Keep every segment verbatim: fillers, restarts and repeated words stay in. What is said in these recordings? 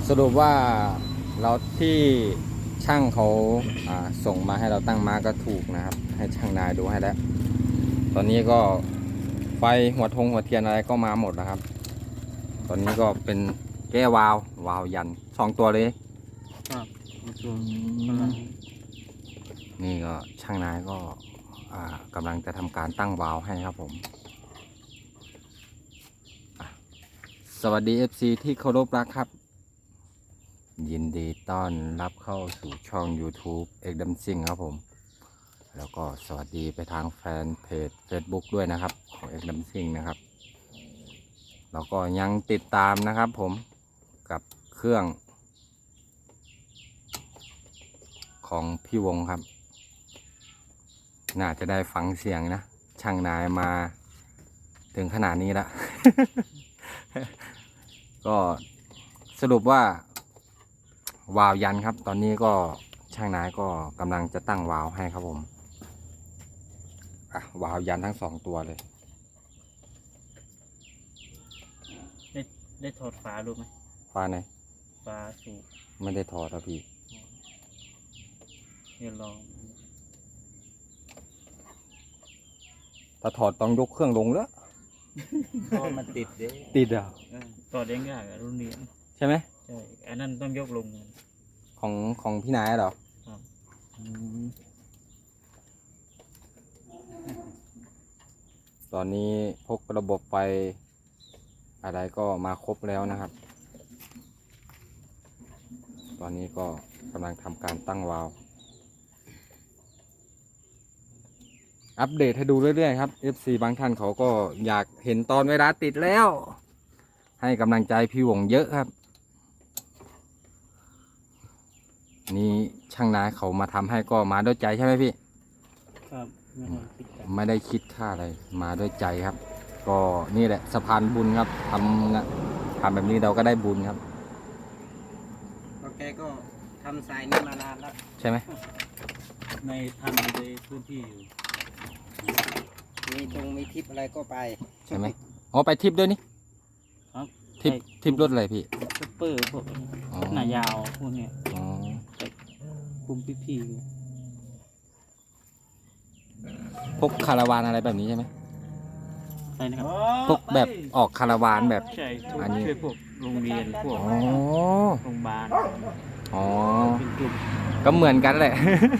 สรุปว่าเราที่ช่างเขาส่งมาให้เราตั้งมาก็ถูกนะครับให้ช่างนายดูให้แล้วตอนนี้ก็ไฟหัวทงหัวเทียนอะไรก็มาหมดนะครับตอนนี้ก็เป็นแก้วาล์ววาล์วยันสองตัวเลยครับนี่ก็ช่างนายก็กำลังจะทำการตั้งวาล์วให้ครับผมสวัสดี เอฟ ซี ที่เคารพรักครับยินดีต้อนรับเข้าสู่ช่อง YouTube เอกดัมซิงครับผมแล้วก็สวัสดีไปทางแฟนเพจ Facebook ด้วยนะครับของเอกดัมซิงนะครับแล้วก็ยังติดตามนะครับผมกับเครื่องของพี่วงครับน่าจะได้ฟังเสียงนะช่างนายมาถึงขนาดนี้แล้ว ก็สรุปว่าวาล์วยันครับตอนนี้ก็ช่างนายก็กำลังจะตั้งวาล์วให้ครับผมอ่ะวาล์วยันทั้งสองตัวเลยได้ได้ถอดฝาดูไหมฝาไหนฝาสูบไม่ได้ถอดครับพี่เดี๋ยวลองถ้าถอดต้องยกเครื่องลงแล้วเพราะมันติดเด้ติดอ่ะถอดเองยากรุ่นนี้ใช่ไหมใช่อันนั้นต้องยกลงของของพี่นายเหรอครับตอนนี้พกระบบไฟอะไรก็มาครบแล้วนะครับตอนนี้ก็กำลังทำการตั้งวาล์วอัปเดตให้ดูเรื่อยๆครับ เอฟ ซี บางท่านเขาก็อยากเห็นตอนเวลาติดแล้วให้กำลังใจพี่วงเยอะครับนี่ช่างนายเขามาทำให้ก็มาด้วยใจใช่ไหมพี่ครับไม่ได้คิดค่าอะไรมาด้วยใจครับก็นี่แหละสะพานบุญครับทำทำแบบนี้เราก็ได้บุญครับก็แกก็ทำสายนี้มานานแล้วใช่ไหมในทำในพื้นที่อยู่มีตรงมีทิปอะไรก็ไปใช่ไหมอ๋อไปทิปด้วยนี่ครับทิปทิปรถอะไรพี่ซุปเปอร์พวกหน้ายาวพวกเนี้ยอ๋อคุมพี่พวกคาราวานอะไรแบบนี้ใช่ไหมใช่นะครับพวกแบบออกคาราวานแบบอันนี้ช่วยพวกโรงเรียนพวกโรงพยาบาลอ๋อก็เหมือนกันแหละ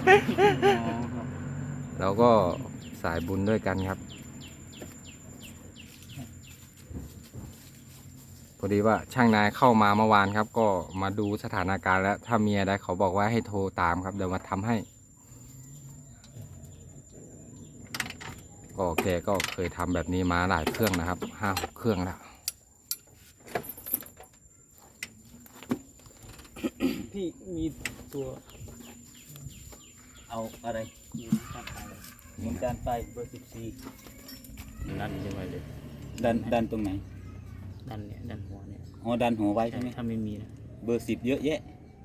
เราก็สายบุญด้วยกันครับพอดีว่าช่างนายเข้ามาเมื่อวานครับก็มาดูสถานการณ์แล้วถ้ามีอะไรเขาบอกว่าให้โทรตามครับเดี๋ยวมาทำให้ก็แกก็เคยทำแบบนี้มาหลายเครื่องนะครับห้าหกเครื่องแล้วพี่มีตัวเอาอะไรยิงจานไฟเบอร์สิบสี่ดันยังไงเลยดันดันตรงไหนดันเนี่ยดันหัวเนี่ยอ๋อดันหัวไว้ใช่ไหมถ้าไม่มีนะเบอร์สิบเยอะแยะ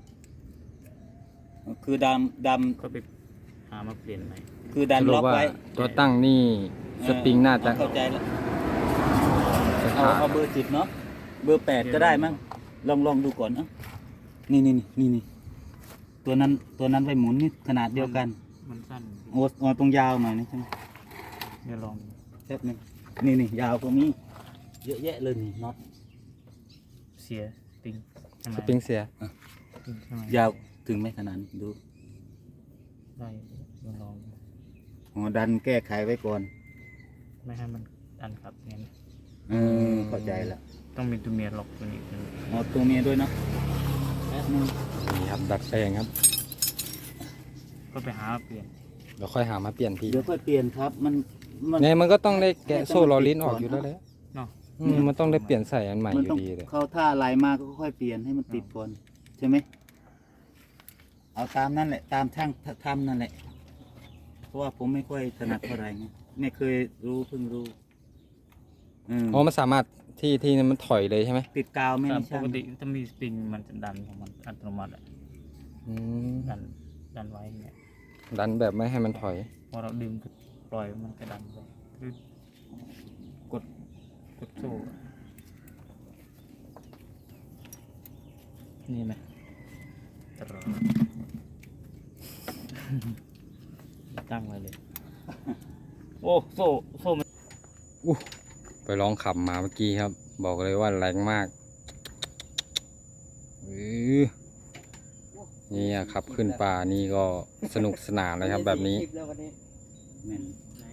คือดำดำก็ไปหามาเปลี่ยนใหม่คือดันล็อกไว้ตัวตั้งนี่สปริงน่าจะเข้าใจแล้วเอาเอาเบอร์สิบเนาะเบอร์แปดก็ได้มั้งลองลองดูก่อนเนาะนี่นี่นี่นี่ตัวนั้นตัวนั้นไปหมุนนี่ขนาดเดียวกันมันสั้นโอ้โอ้ตรงยาวหน่อยนี่ใช่ไหมเดี๋ยวลองแป๊บนึงนี่นี่ยาวตรงนี้เยอะแยะเลยนี่น็อตเสียสปริงสปริงเสียยาวถึงไหมขนาดดูได้ลองอ๋อดันแก้ไขไว้ก่อนไม่ให้มันดันครับเนี่ยเออเข้าใจแล้วต้องมีตัวเมียล็อกตัวนี้อ๋อตัวเมียด้วยเนาะแป๊บนึงนี่ครับดัดแปลงครับก็ไปหาเปลี่ยนเดี๋ยวค่อยหามาเปลี่ยนพี่เดี๋ยวค่อยเปลี่ยนครับมันเนี่ยมันก็ต้องได้แกะโซ่ลอลิ้นออกอยู่แล้วแหละเนาะมันต้องได้เปลี่ยนใส่อันใหม่อยู่ดีเลยเขาถ้าลายมาก็ค่อยเปลี่ยนให้มันติดก่อนใช่ไหมเอาตามนั่นแหละตามช่างทำนั่นแหละเพราะว่าผมไม่ค่อยถนัดเท่าไหร่ไงไม่เคยรู้เพิ่งรู้อ๋อมันสามารถที่ที่มันถอยเลยใช่ไหมติดกาวไม่ใช่ปกติถ้ามีสปริงมันจะดันของมันอัตโนมัติอ่ะดันดันไว้เนี่ยดันแบบไม่ให้มันถอยพอเราดึงปล่อยมันจะดันไปคือกดกดโซ่นี่ไหมตรอตั้งไว้เลย โอ้โซ่โซ่มันอู้ไปลองขับมาเมื่อกี้ครับ บอกเลยว่าแรงมากอือนี่อะขับขึ้นป่านี่ก็สนุกสนานเลยครับแบบนี้แม่น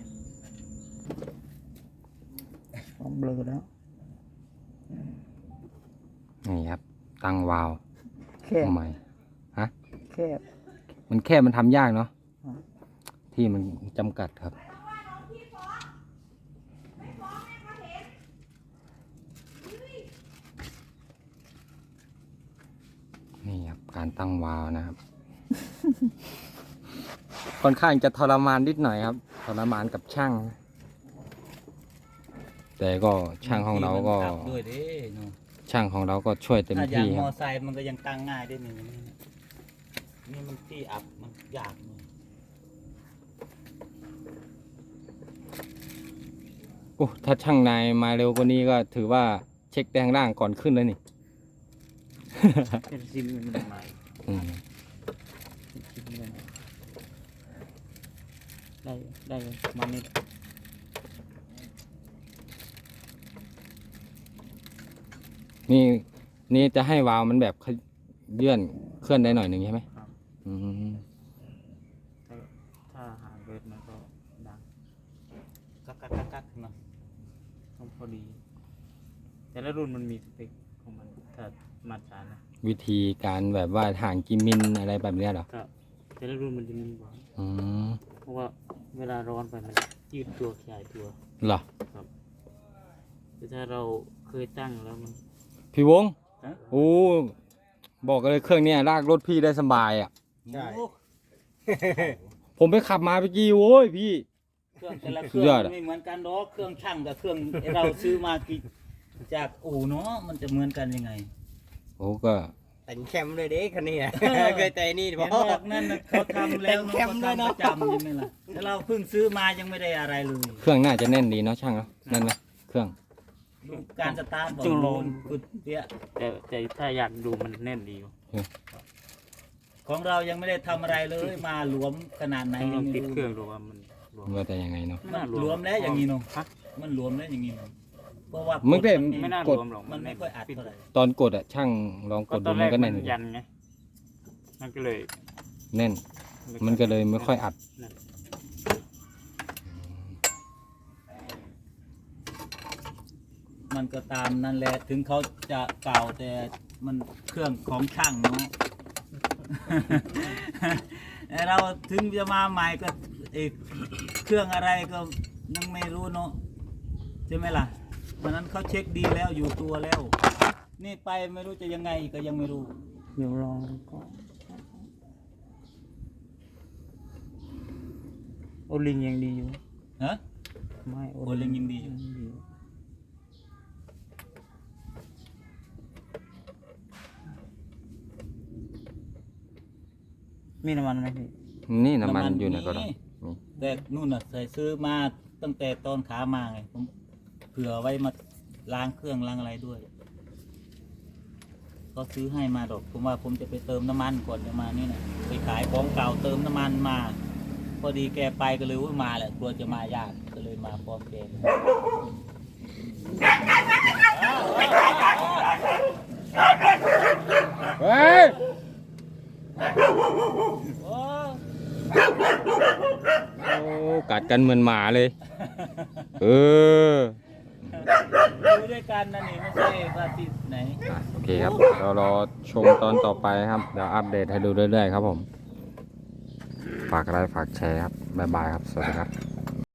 พร้อมเบลอแล้วนี่ครับ ตั้งวาล์วแค่ทำไมฮะแค่มันแค่มันทำยากเนาะอ่าที่มันจำกัดครับ นี่ครับ การตั้งวาล์วนะครับ ค่อนข้างจะทรมานนิดหน่อยครับ ทรมานกับช่าง แต่ก็ช่างของเราก็มันขับด้วยเด้เนาะช่างของเราก็ช่วยเต็มถ้าอย่างที่มคอรับไซค์มันก็ยังตั้งง่ายได้หนึ่งนี่นะนี่มันที่อับมันยากเลยโอ้ถ้าช่างนายมาเร็วกว่านี้ก็ถือว่าเช็คแดงล่างก่อนขึ้นแล้วนี่เป็นซิมมันใหม่อืมซิมมันได้ได้ประมาณนี้นี่นี่จะให้วาล์วมันแบบเลื่อนเคลื่อนได้หน่อยหนึ่งใช่ไหมครับอืมถ้าถ้าหางเบิดมันก็ดังกักกักกักกักเนาะต้องพอดี แต่ละรุ่นมันมีสเปคของมันถ้ามาตรฐานนะวิธีการแบบว่าห่างกิมิลอะไรแบบเนี้ยเหรอครับแต่ละรุ่นมันจะมีบอกอืมเพราะว่าเวลาร้อนไปมันยืดตัวขยายตัวเหรอแต่ถ้าเราเคยตั้งแล้วมันพี่วงฮะโอ้บอกเลยเครื่องเนี้ยลากรถพี่ได้สบายอ่ะใช่ผมไปขับมาเมื่อกี้โว้ยพี่เครื่องแต่ละเคสุรื่ดยอดองอะไม่เหมือนกันหรอกเครื่องช่างกับเครื่องเราซื้อมากี่จากอู่เนาะมันจะเหมือนกันยังไงโอ้ก็แต่งแคมเลยเด้คันนี้อะเออเคยแต่นี่เห็นบอกบอกนั่นน่ะเขาทำแล้วแต่งเนาะแคมเขาด้วยทำปเนาะระจำใช่ไหมล่ะแต่เราเพิ่งซื้อมายังไม่ได้อะไรเลยเครื่องน่าจะแน่นดีเนาะช่างเนาะแน่นไหมเครื่องดูการสตาร์ทบอกจุลโลมนกุดเปี้ยแต่แต่ถ้าอยากดูมันแน่นดีอยู่ของเรายังไม่ได้ทำอะไรเลยมาหลวมขนาดไหนต้องลยัอง งไม่ติดรู้เครื่องดูว่ามันรวมว่าแต่ยังไงเนาะไม่มันน่ารหลวมแล้วอย่างนี้เนาะฮะมันหลวมแล้วอย่างนี้เนาะเพราะว่ามึงได้กดไม่น่ารกดวมหรอกมันไม่ค่อยอัดเท่าไหร่ตอนกดอ่ะช่างลองกก็ดตดูอนแรมันกก็มัแน่นนยันไงมันก็เลยแน่น มันก็เลยไม่ค่อยอัดนั่นมันก็ตามนั่นแหละถึงเขาจะเก่าแต่มันเครื่องของช่างเนาะ แต่เราถึงจะมาใหม่ก็เอกเครื่องอะไรก็ยังไม่รู้เนาะใช่ไหมล่ะวันนั้นเขาเช็คดีแล้วอยู่ตัวแล้ว นี่ไปไม่รู้จะยังไงก็ยังไม่รู้เดี๋ยวลองก็โอลิงยังดีอยู่ฮะไม่โอลิงยังดีอยู่มีน้ำมันไหมพี่นี่น้ำมันอยู่ไหนก็ได้แต่นู่นน่ะใส่ซื้อมาตั้งแต่ตอนขามาไงผมเผื่อไว้มาล้างเครื่องล้างอะไรด้วยเขาซื้อให้มาดอกผมว่าผมจะไปเติมน้ำมันก่อนจะมานี่นะไปขายของเก่าเติมน้ำมันมา พอดีแกไปก็เลยว่ามาแหละกลัวจะมายากก็เลยมาพร้อมแกเลยเฮ้ยโอ้โอ้กัดกันเหมือนหมาเลย เออดูด้วยกันนะนี่ไม่ใช่ว่าที่ไหนอ่ะโอเคครับเรารอชมตอนต่อไปครับ เดี๋ยวอัปเดตให้ดูเรื่อยๆครับผม ฝากไลค์ฝากแชร์ครับ บ๊ายบายครับ สวัสดีครับ